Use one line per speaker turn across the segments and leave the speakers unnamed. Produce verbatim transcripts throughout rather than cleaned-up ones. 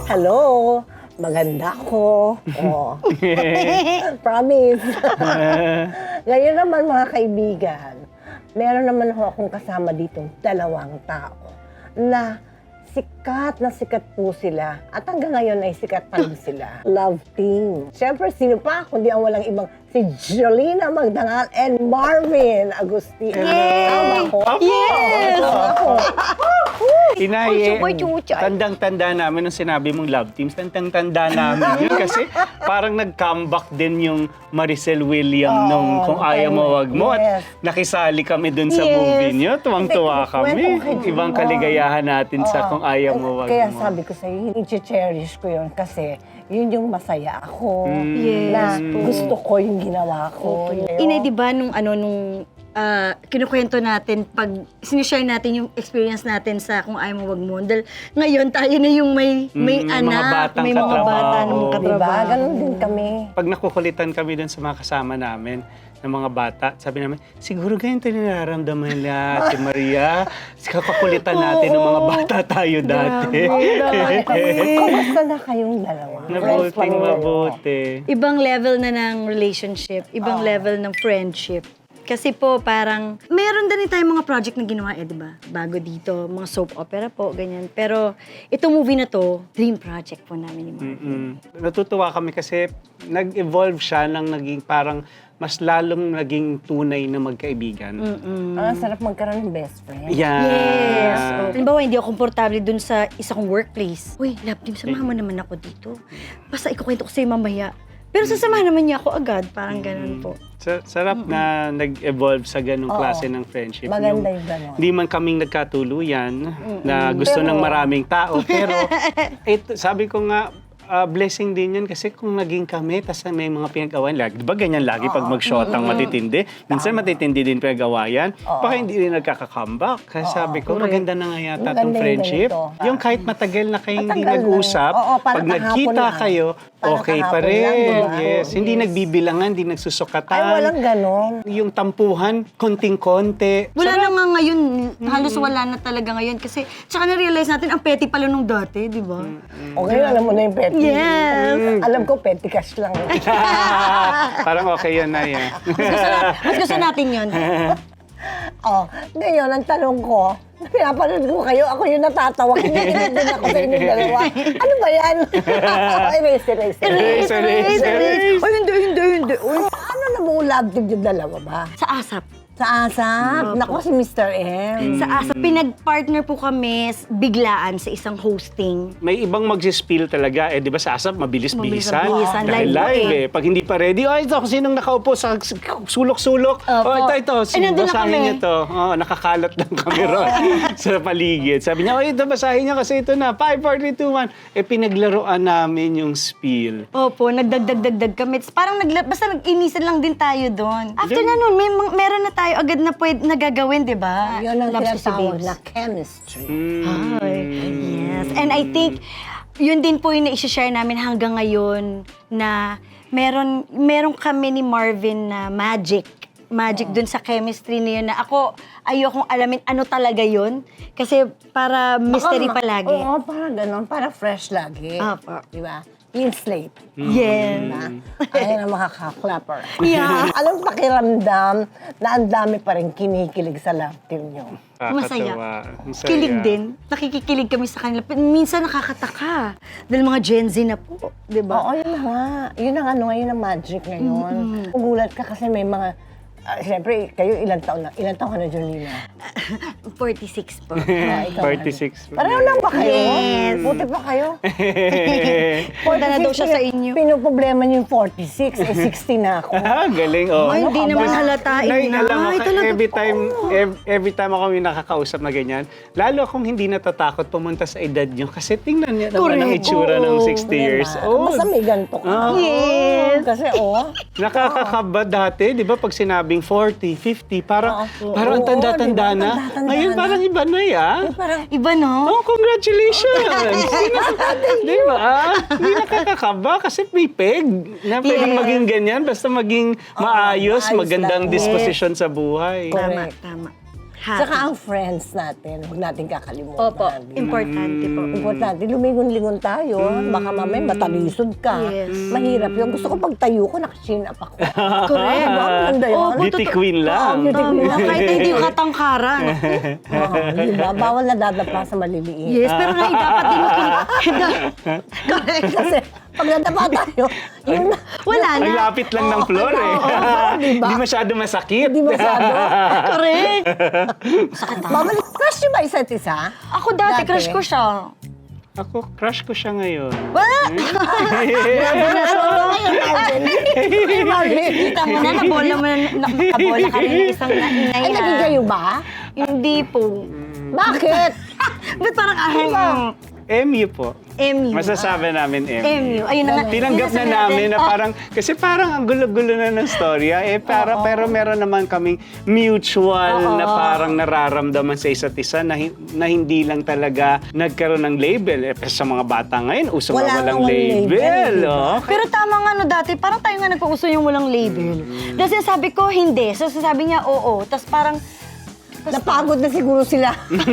Hello, maganda ako. Oh. Promise. Ngayon naman mga kaibigan, meron naman ho akong kasama ditong dalawang tao na sikat na sikat po sila. At hanggang ngayon ay sikat pa rin sila. Love team. Siyempre, sino pa kundi ang walang ibang si Jolina Magdangal and Marvin Agustino.
Yay!
Tama ko?
Yes!
Tama ko.
Inay,
Uy, chuchay.
tandang-tanda namin nung sinabi mong love teams, tandang-tanda namin yun kasi parang nag-comeback din yung Maricel William
Oo,
nung Kung
nung
Ayaw
time
Mo
na-
Wag Mo at
yes.
nakisali kami dun sa
Yes.
movie niyo. Tuwang-tuwa
Hindi,
kami.
kwento ko kayo.
Ibang
Oo.
kaligayahan natin sa
Oo.
Kung Ayaw Mo Wag
Kaya
Mo.
sabi ko sa'yo, i-cherish ko yun kasi yun yung masaya ako.
Yes
Na
po.
gusto ko yung ginawa ko. Yun.
Inay, di ba, nung ano, nung ah, kinukwento natin, pag sinishare natin yung experience natin sa Kung Ayaw Mo Wag Mo, dahil ngayon tayo na yung may, may
Mm, mga
anak,
batang
may mga
katrabaho.
bata na mga
Diba?
katrabaho.
Diba? Ganon din kami.
Pag nakukulitan kami dun sa mga kasama namin, ng mga bata, sabi namin, siguro ganyan tayo nararamdaman nila, si Maria. Kakakulitan natin ng mga bata tayo dati.
Kamusta na kayong dalawa? Friends pa
Mabuting
rin kayo?
mabuti.
Ibang level na ng relationship, ibang level ng friendship. Kasi po parang, meron din tayong mga project na ginawa eh, di ba? Bago dito, mga soap opera po, ganyan. Pero itong movie na to, dream project po namin ni Marvin.
Mm-mm. Natutuwa kami kasi nag-evolve siya ng naging parang mas lalong naging tunay na magkaibigan.
Ah, sarap magkaroon ng best friend.
Yeah.
Yes. Oh. Halimbawa, hindi ako komportable dun sa isa kong workplace. Uy, love team, samahan mo naman ako dito. Basta ikukwento ko sa'yo mamaya. Pero sasamahan naman niya ako agad. Parang ganun po.
Sa- sarap na nag-evolve sa ganong
Oo.
klase ng friendship.
Maganda yung ganon.
Hindi man kaming nagkatuluyan na gusto
Pero-
ng maraming tao. Pero ito, sabi ko nga, ah, blessing din yan kasi kung naging kami, tas may mga pinag-awayan, lagi, di ba ganyan lagi pag mag-shotang matitindi? Minsan matitindi din pinag-awayan, baka hindi rin nagkaka-comeback. Kaya sabi ko,
correct.
maganda na nga yata
Maganda
itong
yung
friendship.
ganito.
Yung kahit matagal na kayo hindi
Matagal na.
nag-usap,
Oo, parang
pag nagkita
kahapon lang.
kayo,
Parang
okay pa
kahapon
rin.
lang, di ba?
Yes. Hindi
Yes.
nagbibilangan, hindi nagsusukatan.
Ay, walang ganon.
Yung tampuhan, konting-konti.
Wala na nga ngayon, halos wala na talaga ngayon. Kasi, tsaka na-realize natin, ang petty pala nung dati, di ba?
Okay, alam mo na yung petty.
Yes.
Alam ko, petty cash lang.
Parang okay yun na yan.
Mas gusto, na- mas gusto natin yun.
Oh, ngayon, ang tanong ko, pinapanood ko kayo, ako yung natatawa. Kinikinig din ako sa inyong dalawa. Ano ba yan? Erase, erase, erase.
Erase, erase, erase.
Ay, hindi, hindi, hindi. Uy,
Ano na mo love team yung dalawa ba?
sa ASAP.
Sa ASAP? Naku, si Mister M.
Sa ASAP, pinag-partner po kami s- biglaan sa isang hosting.
May ibang mag-spill talaga. Eh, di ba sa ASAP, mabilis-bilisan.
Mabilis-bilisan.
Dahil
Live
live
po
eh. Pag hindi pa ready, oh, ito, kung sinong nakaupo sa s- sulok-sulok.
Opo.
Oh, ito, ito.
Eh, nandun na
Basahin
kami.
niyo to. Oh, nakakalat lang kami ron sa paligid. Sabi niya, oh, ito, basahin niyo kasi ito na. five, four, three, two, one. Eh, pinaglaruan namin yung spill.
Opo, nagdagdag-dagdag kami. Parang nagla- basta nag-inisan lang din tayo doon. After na nun, may mga- meron na tayo agad na pwede nagagawin, di ba?
Yun ang
Loves ko si
tinatawag
Babes.
na chemistry.
Mm.
Ay, yes. And I think, yun din po yung na-share namin hanggang ngayon na meron, meron kami ni Marvin na magic. Magic dun sa chemistry na yun na ako, ayokong alamin ano talaga yun. Kasi para mystery
Baka-
palagi.
Oo, para ganon. Para fresh lagi.
Opo.
Di ba? Clean slate.
Yes.
Diba? Ayun ang makaka-clapper.
Yeah.
Anong pakiramdam na ang dami pa rin kinikilig sa love team nyo?
Masaya.
Nakakatawa. Ang saya.
Kilig din. Nakikikilig kami sa kanila. Pero minsan nakakataka. Dahil mga Gen Z na po. Di ba?
Oo, yun na nga. Yun ang ano, yun ang magic ngayon. Gugulat ka kasi may mga, ah, siyempre, kayo ilang taon na? Ilang taon ka na, Jolina?
forty-six po.
Ah, ikaw,
forty-six.
ano? Pareho lang ba kayo?
Yes.
Buti pa kayo?
Punta na daw siya sa inyo.
Pinoproblema niyo yung forty-six, eh sixty na ako.
Ah, galing. Oh.
Ay, hindi
Ano ka
naman
ba?
halatain
Nay,
na.
alam mo,
Ay, talaga
every
po.
time, ev- every time ako may nakakausap na ganyan, lalo akong hindi natatakot pumunta sa edad nyo kasi tingnan niya naman ang
Correct.
itsura ng
Oo,
sixty years
Diba?
old.
Basta may ganito ka.
Ah.
Yes.
Kasi, oh,
Nakakakaba dati, di ba, pag sinabing forty, fifty, parang,
Oo.
parang ang
Oo,
tanda-tanda
di ba?
na.
Tanda-tanda
Ngayon,
na.
parang iba na ya.
parang,
Iba, no?
Oh, congratulations! Di ba? Hindi nakakakaba kasi may peg na pwedeng
Yes.
maging ganyan basta maging maayos,
maayos
magandang
lang.
disposition sa buhay.
Tama,
Correct.
tama. Happy.
Saka ang friends natin, huwag natin kakalimutan.
Opo,
di ba?
importante po.
Importante, lumingon-lingon tayo. Baka mamaya matalisod ka.
Yes.
Mahirap yun. Gusto ko pag tayo ko, nakachin up ako.
Correct.
Diba? Maganda yun.
Opo,
Beauty
totoo.
queen lang.
Oo, beauty queen.
Tama, kahit hindi yung katangkaran.
Oo, di ba? Bawal na dadapa sa maliliit.
Yes, pero nga dapat din
Correct. Kasi pag nadapa tayo, yun na.
Wala na.
Ang lapit lang ng floor eh.
diba?
Hindi masyado masakit.
Hindi masyado.
Correct. Sakit ah.
Babalik, crush niyo ba isa't isa?
Ako dati,
Dati.
crush ko siya.
Ako, crush ko siya ngayon.
Wala!
Solo ngayon, Marvin. Ay, Marvin.
Kita mo na, nabola mo na, nakabola ka rin ng isang
Ay,
nainay
naging
na.
kayo ba?
Hindi po.
Bakit?
Ba't parang ahang
M U po.
M U?
Masasabi namin M U.
M U. Ayun na nga.
Tinanggap na
Sinasabi
namin
natin,
na
oh,
parang, kasi parang ang gulo-gulo na ng storya, eh, para, pero meron naman kaming mutual
Oo.
na parang nararamdaman sa isa't isa na, hi- na hindi lang talaga nagkaroon ng label. Eh, sa mga bata ngayon, uso
Wala
nga walang
namang
label.
label, di ba?
oh.
Pero tama nga no dati, parang tayo nga nagpauso yung walang label. Dahil sinasabi ko, hindi. So sasabi niya, oo. Tapos parang,
Napagod na siguro sila.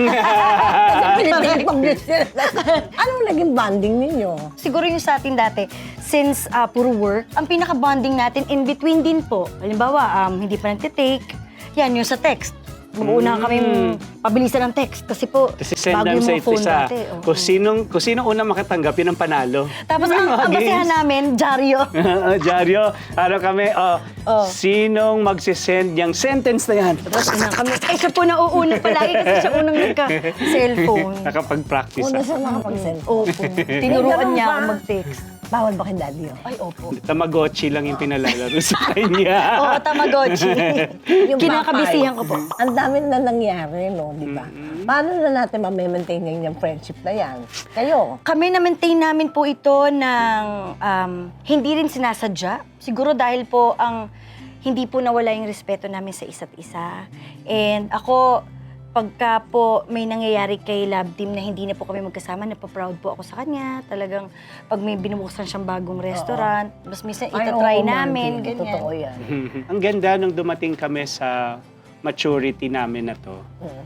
Kasi pinipag-publish sila. Anong naging bonding ninyo?
siguro yung sa atin dati, since ah, puro work, ang pinaka-bonding natin in between din po. Halimbawa, um, hindi pa nagtitake, yan yung sa text. Mag-uuna kami pabilisan ng text kasi po,
Kasi send
bago
namin
yung
sa
mga
isa't
phone
isa.
dati. oo.
Kung sinong, kung sinong unang makatanggap, yun ang panalo.
Tapos
May
ang,
mga
ang basihan
games.
namin, dyaryo.
Dyaryo, ano kami, oh,
Oh.
sinong magsisend yung sentence na yan?
Tapos unang kami, ay siya po nauuna palagi kasi siya unang nagka-cellphone.
Nakapag-practice
Una
ako.
siya makapag-send.
Opo. Tinuruan
Ganun
niya
ba?
ako mag-text.
Bawal ba kay daddy yun?
Ay, opo.
Tamagotchi lang yung pinalalaro sa kanya.
Oo, Tamagotchi.
Yung
Kinakabisihan ko po.
Ang dami na nangyari, no? Di ba? Paano na natin ma-maintain ngayon yung friendship na yan? Kayo?
Kami na-maintain namin po ito ng um, hindi rin sinasadya. Siguro dahil po ang hindi po nawala yung respeto namin sa isa't isa. And ako, pagka po may nangyayari kay Love Team na hindi na po kami magkasama, napaproud po ako sa kanya. Talagang pag may binubuksan siyang bagong restaurant, mas minsan
Ay,
itatry
oo,
namin,
Marvin.
ganyan.
Totoo yan.
Ang ganda nung dumating kami sa maturity namin na to.
Mm.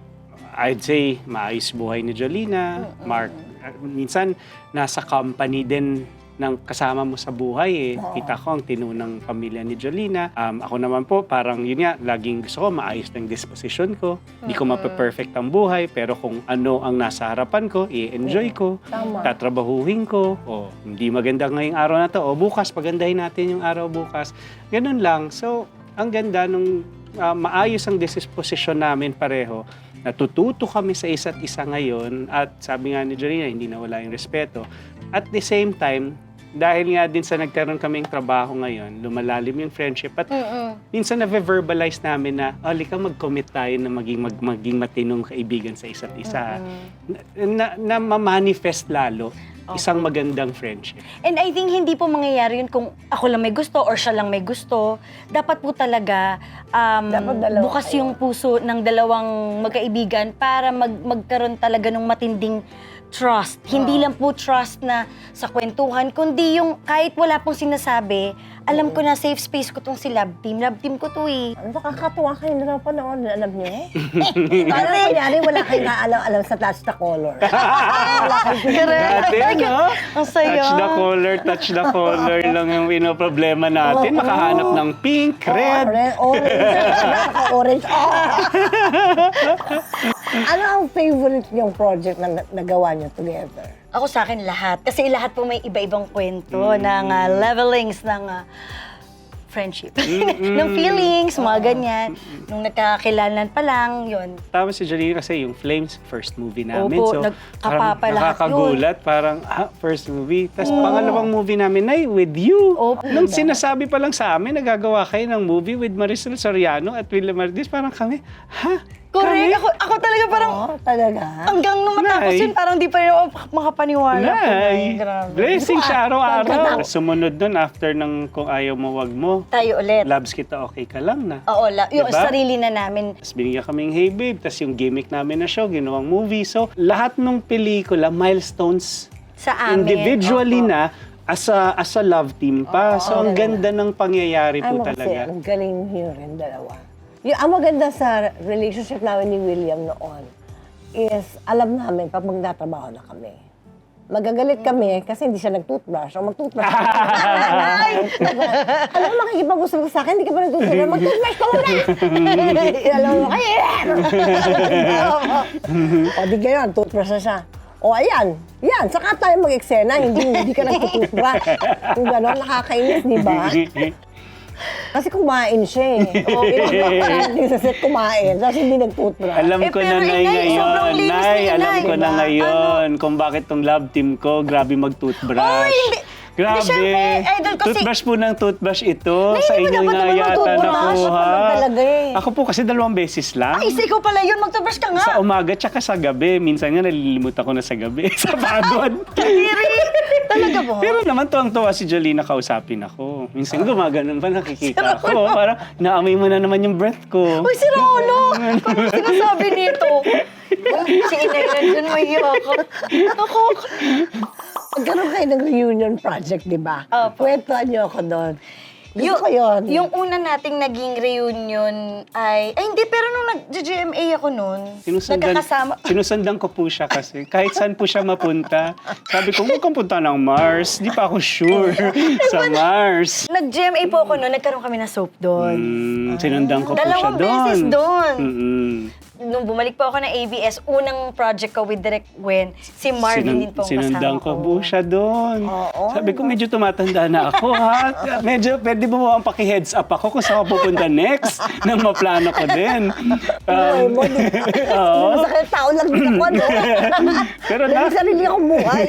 I'd say, maayos buhay ni Jolina, Mark. uh, Minsan, nasa company din ng kasama mo sa buhay eh. Kita ko ang tinunang pamilya ni Jolina. Um, ako naman po, parang yun nga, laging gusto ko, maayos ng disposition ko. Hindi ko mape-perfect ang buhay, pero kung ano ang nasa harapan ko, i-enjoy ko,
Tama.
tatrabahuhin ko, o hindi maganda ngayong araw na to, o bukas, pagandahin natin yung araw bukas. Ganun lang. So, ang ganda nung uh, maayos ang disposition namin pareho. Natututo kami sa isa't isa ngayon at sabi nga ni Jolina, hindi na wala yung respeto. At the same time, dahil nga din sa nagkaroon kaming trabaho ngayon, lumalalim yung friendship at
Mm-mm.
minsan na-verbalize namin na, halika mag-commit tayo na maging, mag, maging matinong kaibigan sa isa't isa. Na, na, na ma-manifest lalo isang magandang friendship.
And I think hindi po mangyayari yun kung ako lang may gusto or siya lang may gusto. Dapat po talaga um,
Dapat dalawa
bukas
kayo.
yung puso ng dalawang magkaibigan para mag magkaroon talaga ng matinding trust. Hindi lang po trust na sa kwentuhan, kundi yung kahit wala pong sinasabi, alam ko na safe space ko tong si Love Team. Love Team ko to eh.
Ano, nakakatuwa kayo na panood, alam niyo? Parang kunyari, wala kayong alam-alam sa touch the color. Wala kayong
Dati, no?
Ang saya.
Touch the color, touch the color lang yung pinoproblema natin.
Oo.
Makahanap ng pink, red.
Red, orange. Orange. Oh. Ano ang favorite niyong project na na- nagawa niyo together?
Ako sa akin lahat. Kasi lahat po may iba-ibang kwento ng ah, levelings ng ah, friendship. ng feelings, mga ganyan. Nung nagkakakilalan pa lang, yun.
Tama si Jolina kasi yung Flames, first movie namin.
Opo,
so,
nagkapapa
parang
lahat
nakakagulat. Parang, ah, first movie. Tapos pangalawang movie namin ay with you.
Opo.
Nung sinasabi pa lang sa amin, nagagawa kayo ng movie with Marisol Soriano at William Martis, parang kami, ha?
Correct. Ako, ako talaga parang
Oh, talaga?
hanggang nung matapos
Nay.
yun, parang di pa rin ako makapaniwala. po, Nay.
Nay,
Grabe.
blessing siya araw-araw.
Pagkatapos-
Sumunod nun after ng kung ayaw mo, wag mo.
Tayo ulit.
Labs kita, okay ka lang na.
Oo, la, yung
Diba?
sarili na namin.
Tapos binigyan kaming Hey Babe, tapos yung gimmick namin na show, ginawang movie. So, lahat ng pelikula, milestones,
Sa amin.
individually
Opo.
na, as a, as a love team pa.
Oo,
so, ang
talaga.
ganda ng pangyayari
Ay,
po
mo kasi,
talaga.
ang galing niyo rin, dalawa. Yung ang maganda sa relationship namin ni William noon is alam namin pag magtatrabaho na kami. Magagalit kami kasi hindi siya nag-toothbrush o mag-toothbrush. Ay! Alam mo, makikipag-usap ka sa akin, hindi ka pa nag-toothbrush. Mag-toothbrush ka muna! Alam mo, kaya! O di gano'n, toothbrush na siya. O ayan, yan, saka tayo mag-eksena, hindi, hindi ka nag-toothbrush. Kung gano'n, nakakainis, di ba? Kasi kumain siya eh. O, pinag-toothbrush sa set kumain, tapos hindi nag-toothbrush.
Alam
Eh,
ko
pero,
na, Nay,
Inay, sobrang
ngayon.
linis
Nay,
ni
alam
Inay,
ko na
diba?
ngayon kung bakit tong love team ko, grabe mag-toothbrush.
Oy, hindi.
Grabe.
Hindi, syempre, idol ko si-
Toothbrush po ng toothbrush ito.
Nay,
Sa
hindi mo
inyo
dapat
nga
naman
yata
mag-toothbrush.
nakuha.
Dapat talaga eh.
Ako po kasi dalawang beses lang.
Ay, isa ikaw pala yun, mag-toothbrush ka nga.
Sa umaga tsaka sa gabi. Minsan nga nalilimutan ko na sa gabi. sa pagod.
Kadiri. Talaga ba?
Pero naman tuwang-tuwa si Jolina kausapin ako. Minsan gumaganon pa nakikita ako. Parang naamoy mo na naman yung breath ko.
Uy, si Rolo! Ano sinasabi nito? Uy, si Inay na dyan, may ako. Ako.
Magkaroon kayo ng reunion project, di ba?
Opo.
Kwentuhan niyo ako doon. Gusto
Yung,
ko yun.
yung una nating naging reunion ay... Ay, hindi, pero nung nag-G M A ako noon,
Sinusundan,
nagkakasama...
sinusundan ko po siya kasi. Kahit saan po siya mapunta. Sabi ko, huwag kang punta ng Mars. Di pa ako sure sa Mars.
Nag-G M A po ako noon, nagkaroon kami ng soap doon.
Mm, sinundan ko po siya
Dalawang
doon.
beses doon.
Mm-mm.
Nung bumalik po ako ng A B S, unang project ko with Direk Gwen, si Marvin
Sinun-
din po ang
Sinundan
kasama
ko po siya doon.
Oo.
Sabi ko, medyo tumatanda na ako, ha? Medyo, pwede mo ang paki-heads up ako kung saan ako pupunta next nang maplano ko din.
Buhay
Um,
mo, di ba?
oo.
Masakit tao lang din ako, no?
Pero
May
na,
sarili akong buhay.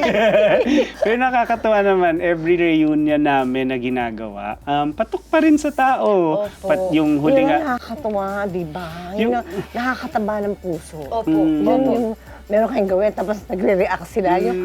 pero nakakatawa naman, every reunion namin na ginagawa, um, patok pa rin sa tao.
Opo.
Pat yung huli
Yun ang
nga,
nakakatawa, di ba? Yun
Yung-
ang nakakataba ng puso.
Opo.
Mm.
Yun yung meron kayong gawin, tapos nagre-react sila. Yung,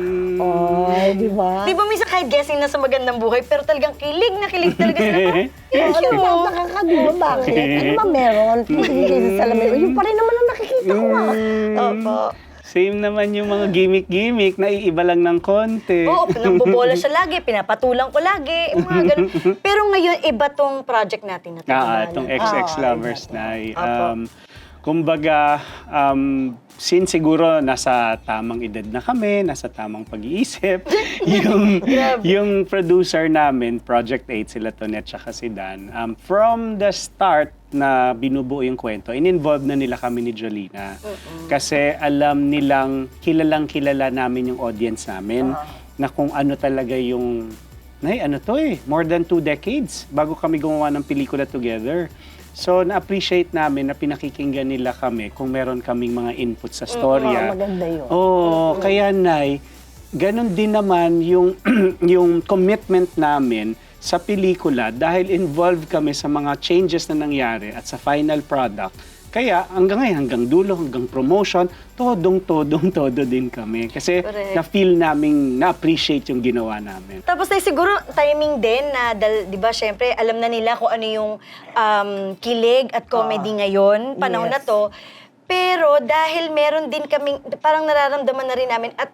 oy, di ba?
Di ba minsan kahit guessing na sa magandang buhay, pero talagang kilig na kilig talaga sila.
Oo, ano ba? Nakakadiba, bakit? Ano ba meron? Pinigay sa salamin. Yung pa rin naman ang nakikita ko, ah.
Opo.
same naman yung mga gimmick-gimmick, naiiba lang ng konti.
Oo, pinagbobola siya lagi, pinapatulang ko lagi, yung mga ganun. Pero ngayon, iba tong project natin na
Ah,
tatawanan.
itong X X
Ah,
Lovers
iba to.
na.
Apo.
Um, kumbaga, um, since siguro nasa tamang edad na kami, nasa tamang pag-iisip, yung, yung producer namin, Project eight, sila Tonet tsaka si Dan, um, from the start na binubuo yung kwento, in-involve na nila kami ni Jolina. Kasi alam nilang, kilalang kilala namin yung audience namin, na kung ano talaga yung, nay, ano to eh, more than two decades bago kami gumawa ng pelikula together. So, na-appreciate namin na pinakikinggan nila kami kung meron kaming mga input sa storya.
Oo, maganda yun.
Oo, kaya Nay, ganun din naman yung, yung commitment namin sa pelikula dahil involved kami sa mga changes na nangyari at sa final product. Kaya hanggang ngayon, hanggang dulo, hanggang promotion, todong-todong-todo din kami. Kasi
Correct.
na-feel namin, na-appreciate yung ginawa namin.
Tapos na siguro timing din na, dal, di ba, syempre, alam na nila kung ano yung um, kilig at comedy ngayon, panahon
yes.
na to. Pero dahil meron din kaming, parang nararamdaman na rin namin at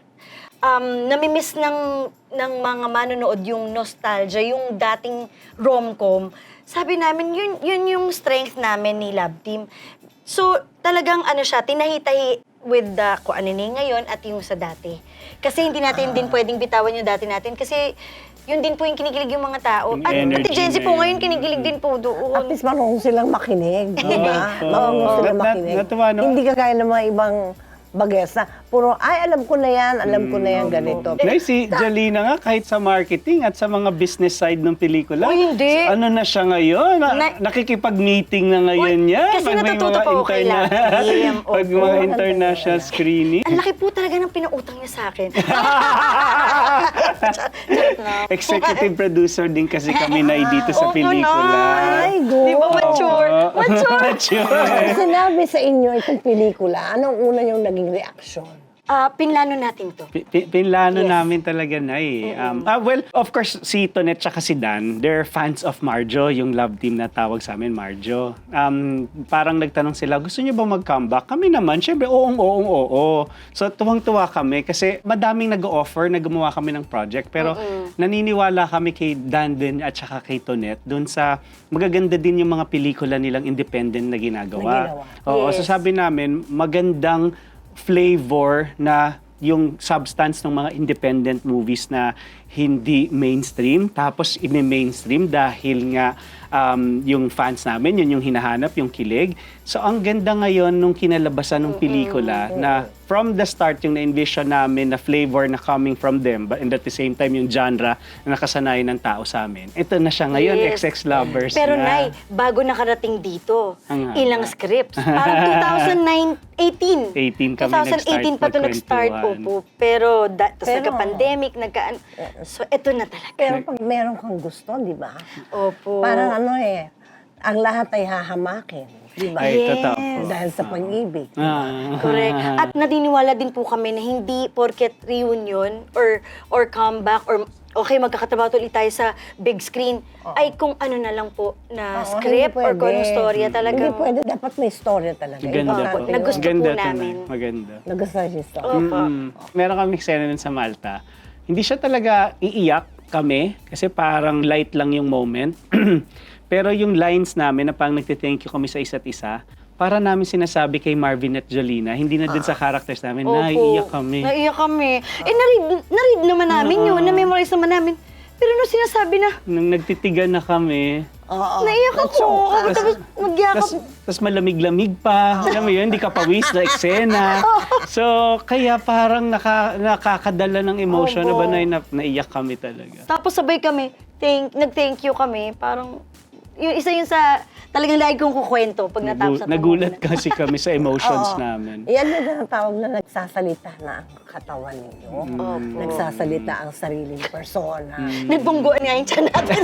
um, namimiss ng, ng mga manonood yung nostalgia, yung dating rom-com. Sabi namin, yun, yun yung strength namin ni Love Team. So, talagang ano siya, tinahi-tahi with the kung ano na ngayon at yung sa dati. Kasi hindi natin din pwedeng bitawan yung dati natin kasi yun din po yung kinikilig yung mga tao.
Yung
At
energy
pati Gen Z
na
po
yun.
ngayon kinikilig din po
At
doon.
least marunong silang makinig, di ba?
Oo.
Marunong silang
Nat- nat-
makinig.
natuwa, no?
Hindi kagaya ng mga ibang bagets na puro, ay, alam ko na yan, alam ko na yan, ganito.
Nay, si Jolina nga, kahit sa marketing at sa mga business side ng pelikula,
Uy, hindi.
ano na siya ngayon? Na,
Na-
nakikipag-meeting na ngayon
Uy,
niya.
kasi
Pag may
natututo
mga
pa ako kay
interna-
Love Team.
Pag
Opo.
mga international screening.
Ang laki po talaga ng pinautang niya sa akin. Charot na.
Executive producer din kasi kami na dito sa
Opo,
pelikula.
Ay, go.
Di ba mature?
Oo.
Mature.
Mature.
Sinabi sa inyo itong pelikula, anong una yung naging reaksyon?
ah, pinlano natin to?
Pi- pi- Pinlano
Yes.
namin talaga na eh. Um, ah, well, of course, si Tonet tsaka si Dan, they're fans of Marjo, yung love team na tawag sa amin, Marjo. Um, parang nagtanong sila, gusto niyo ba mag-comeback? Kami naman, syempre, oong, oong, oo. So, tuwang-tuwa kami kasi madaming nag-offer na gumawa kami ng project. Pero naniniwala kami kay Dan din at saka kay Tonet dun sa magaganda din yung mga pelikula nilang independent na ginagawa.
Na ginawa.
Oo,
Yes.
so sabi namin, magandang flavor na yung substance ng mga independent movies na hindi mainstream, tapos i-mainstream dahil nga um, yung fans namin, yun yung hinahanap, yung kilig. So ang ganda ngayon nung kinalabasan ng pelikula na from the start yung na-envision namin na flavor na coming from them, but and at the same time yung genre na nakasanayan ng tao sa amin. Ito na siya ngayon,
Yes.
X X Lovers
Pero
na.
Nay, bago nakarating dito,
Ang haba.
ilang scripts. Parang two thousand eighteen.
eighteen kami
twenty eighteen pa ito nag-start.
nag-start,
Opo. Pero, da, tapos
Pero-
nagka-pandemic, nagka So, ito na talaga.
Pero pag meron kang gusto, di ba?
Opo.
Parang ano eh, ang lahat ay hahamakin. Di ba?
Ay,
Yes.
totoo po.
Dahil sa pag-ibig.
Ah.
Correct. At naniniwala din po kami na hindi porket reunion or or comeback or okay, magkakatrabaho ulit tayo sa big screen, ay kung ano na lang po na
Oo,
script
hindi
or kung
pwede.
anong storya talaga.
Hindi pwede, dapat may storya talaga.
Ganda po.
Importante yun.
Nagusto
Ganda
po
to,
namin.
Nay. Maganda.
Nagustuhan yung story.
Opo.
Mm. Meron kami eksena nun sa Malta. Hindi siya talaga iiyak kami kasi parang light lang yung moment. Pero yung lines namin na parang nagte-thank you kami sa isa't isa, para namin sinasabi kay Marvin at Jolina, hindi na din sa characters namin,
Opo.
naiiyak kami.
Naiiyak kami. Eh, naread, naread naman namin yun, na-memorize naman namin. Pero nung sinasabi na,
Nung nagtitigan na kami,
Oo.
naiiyak ako.
Nachoka.
Tapos magyakap.
tas, tas malamig-lamig pa. Alam mo yun, hindi ka pawis na eksena. So, kaya parang naka, nakakadala ng emotion na
Opo.
ba na, na naiyak kami talaga.
Tapos sabay kami, thank, nag-thank you kami. Parang, yung isa yun sa, talagang lagi kong kukwento pag natapos
Nagu-
na
nagulat kasi kami sa emotions
Oo.
namin.
Yan yung tinatawag na nagsasalita na ang katawan ninyo.
Opo.
Nagsasalita ang sariling persona.
Nagbungguan nga yung tiyan natin.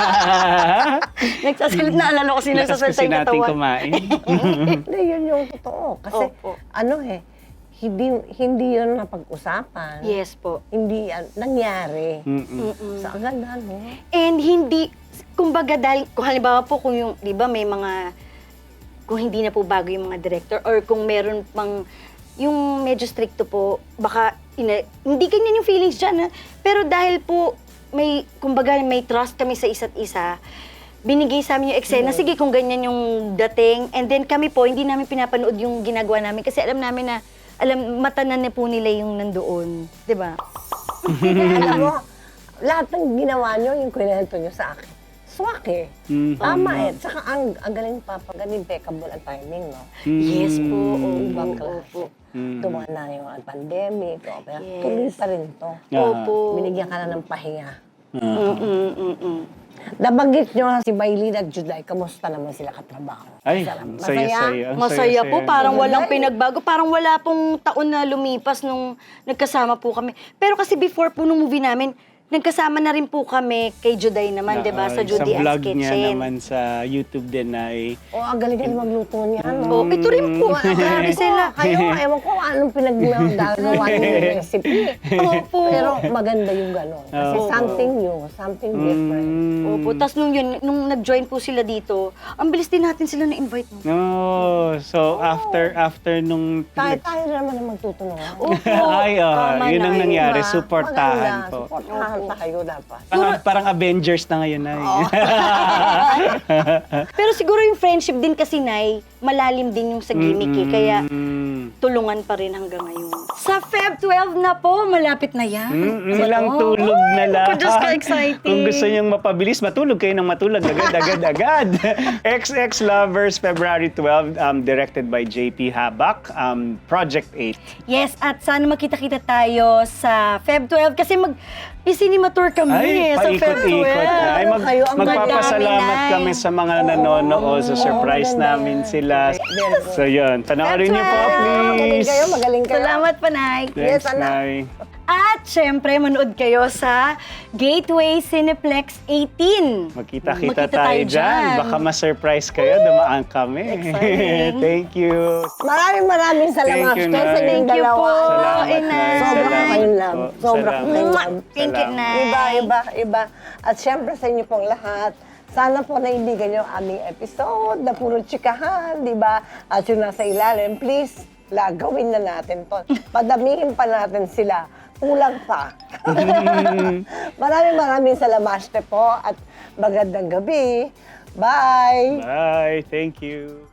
Nagsasalit na alala ko sino
Lakas
sa
kasi
yung
natin
katawan.
kumain.
Hindi, yun yung totoo. Kasi,
Opo.
ano eh, hindi, hindi yun napag-usapan.
Yes po.
Hindi yan, nangyari.
Mm-mm.
So, ang ganda, no?
And hindi, kumbaga dahil, kung halimbawa po kung yung, di ba may mga, kung hindi na po bago yung mga director or kung meron pang, yung medyo stricto po, baka, ina, hindi ganyan yung feelings dyan. Ha? Pero dahil po, may, kumbaga may trust kami sa isa't isa, binigay sa amin yung eksena, sige kung ganyan yung dating, and then kami po, hindi namin pinapanood yung ginagawa namin kasi alam namin na, alam, matanan na po nila yung nandoon. Di ba?
Alam mo, lahat ng ginawa nyo, yung kwento nyo sa akin, swak eh.
Mm.
Tama eh. Tsaka ang, ang galing pa, pag impeccable ang timing, no?
Yes po.
Ibang
Opo.
klase.
Opo.
Mm.
Tumaan na yung pandemic, o, pero
Yes.
tuloy pa rin to.
Ah.
Opo.
Binigyan ka na ng pahinga.
Mm-mm, mm-mm.
Nabanggit nyo si Maylin at Juday, kamusta naman sila katrabaho?
Ay,
Masarap.
ang saya-saya. Ang
Masaya
saya-saya.
po, parang
Masaya.
walang pinagbago. Parang wala pong taon na lumipas nung nagkasama po kami. Pero kasi before po nung movie namin, nagkasama na rin po kami kay Juday naman, di ba?
Ah,
Sa Judy
Sa
Ann's
vlog niya
Kitchen.
naman sa YouTube din ay
O, ang galing-galing magluto niya, no?
Oh, ito rin po. Grabe sila.
Kayo, ewan ko anong pinagagawa niyo yung recipe.
Opo.
Pero maganda yung gano'n. Kasi
Opo.
something new, something different.
Mm.
Opo. Tapos nung yun, nung nag-join po sila dito, ang bilis din natin sila na-invite. No?
No, so after after nung
Tayo, tayo na naman ang magtutulungan.
Opo.
ay, oh,
Tama
yun
na
ang
yun.
nangyari,
Diba?
suportahan
Maganda,
po.
Suportahan tayo dapat.
Parang, parang Avengers na ngayon na.
Pero siguro yung friendship din kasi, Nay, malalim din yung sa gimmick eh. Kaya tulungan pa rin hanggang ngayon. Sa Feb twelve na po, malapit na yan.
Mm, ilang tulog na lang.
Ako, Diyos ko, exciting.
Kung gusto niyong mapabilis, matulog kayo ng matulog agad, agad, agad. X X Lovers, February twelfth, um, directed by J P Habak, um, Project eight.
Yes, at sana makita-kita tayo sa Feb twelve kasi mag i-cinema tour kami
Ay,
eh, sa Feb
paikot-ikot
twelve.
na. Ay, mag,
Kayo ang
magpapasalamat
madami,
kami sa mga nanonood. So, surprise
maganda
namin
yan.
sila.
Very good.
So, yun. Panoorin niyo po,
Magaling
please.
kayo, magaling kayo.
Salamat pa, Nay.
Thanks,
Yes, anak.
Nay.
At syempre, manood kayo sa Gateway Cineplex eighteen.
Magkita-kita
Magkita
tayo
tayo
dyan.
dyan.
Baka ma-surprise kayo. Dumaan kami.
Exciting.
Thank you.
Maraming maraming salamat
Thank you,
kayo sa
Nay.
inyong
Thank you
dalawa.
po.
Salamat
tayong love.
po.
Sobra
Salamat.
tayong
Mwah!
love.
Thank you,
Salamat.
Nay.
Iba, iba, iba. At syempre sa inyo pong lahat, sana po naibigan nyo ang aming episode na puro tsikahan, di ba? At yung nasa ilalim, please, la, gawin na natin to. Padamihin pa natin sila. Kulang pa. maraming maraming salamaste po at magandang gabi. Bye!
Bye. Thank you.